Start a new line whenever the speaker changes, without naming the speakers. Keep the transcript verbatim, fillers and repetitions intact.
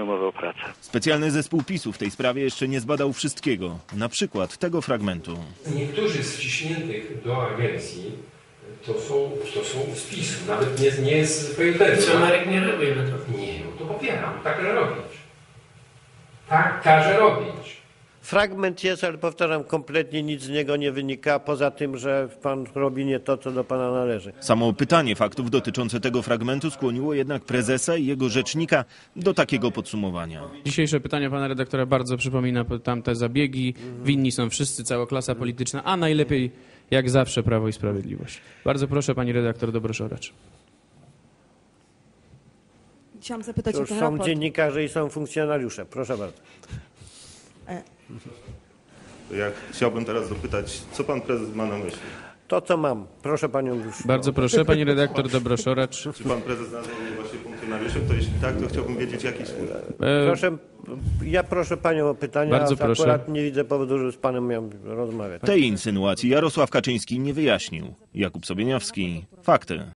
podpisania umowy o pracę.
Specjalny zespół PiSu w tej sprawie jeszcze nie zbadał wszystkiego, na przykład tego fragmentu.
Niektórzy z wciśniętych do agencji to są, to są z PiSu, nawet nie, nie z P J D.
Co Marek nie robi na to?
Nie, no to popieram, tak każe robić. Tak każe robić.
Fragment jest, ale powtarzam, kompletnie nic z niego nie wynika, poza tym, że pan robi nie to, co do pana należy.
Samo pytanie faktów dotyczące tego fragmentu skłoniło jednak prezesa i jego rzecznika do takiego podsumowania.
Dzisiejsze pytanie pana redaktora bardzo przypomina tamte zabiegi. Winni są wszyscy, cała klasa polityczna, a najlepiej jak zawsze Prawo i Sprawiedliwość. Bardzo proszę pani redaktor Dobroszoracz.
Chciałam zapytać
Cóż,
o ten
są
raport.
dziennikarze i są funkcjonariusze. Proszę bardzo.
E,
Ja chciałbym teraz dopytać, co pan prezes ma na myśli?
To, co mam. Proszę panią już.
Bardzo proszę pani redaktor Dobroszoracz.
Czy pan prezes nazwał mnie właśnie funkcjonariuszem? To jeśli tak, to chciałbym wiedzieć, jaki służb.
E,
Proszę, ja proszę panią o pytania,
Bardzo
a
proszę.
akurat nie widzę powodu, żeby z panem miał rozmawiać.
Tej insynuacji Jarosław Kaczyński nie wyjaśnił. Jakub Sobieniawski. Fakty.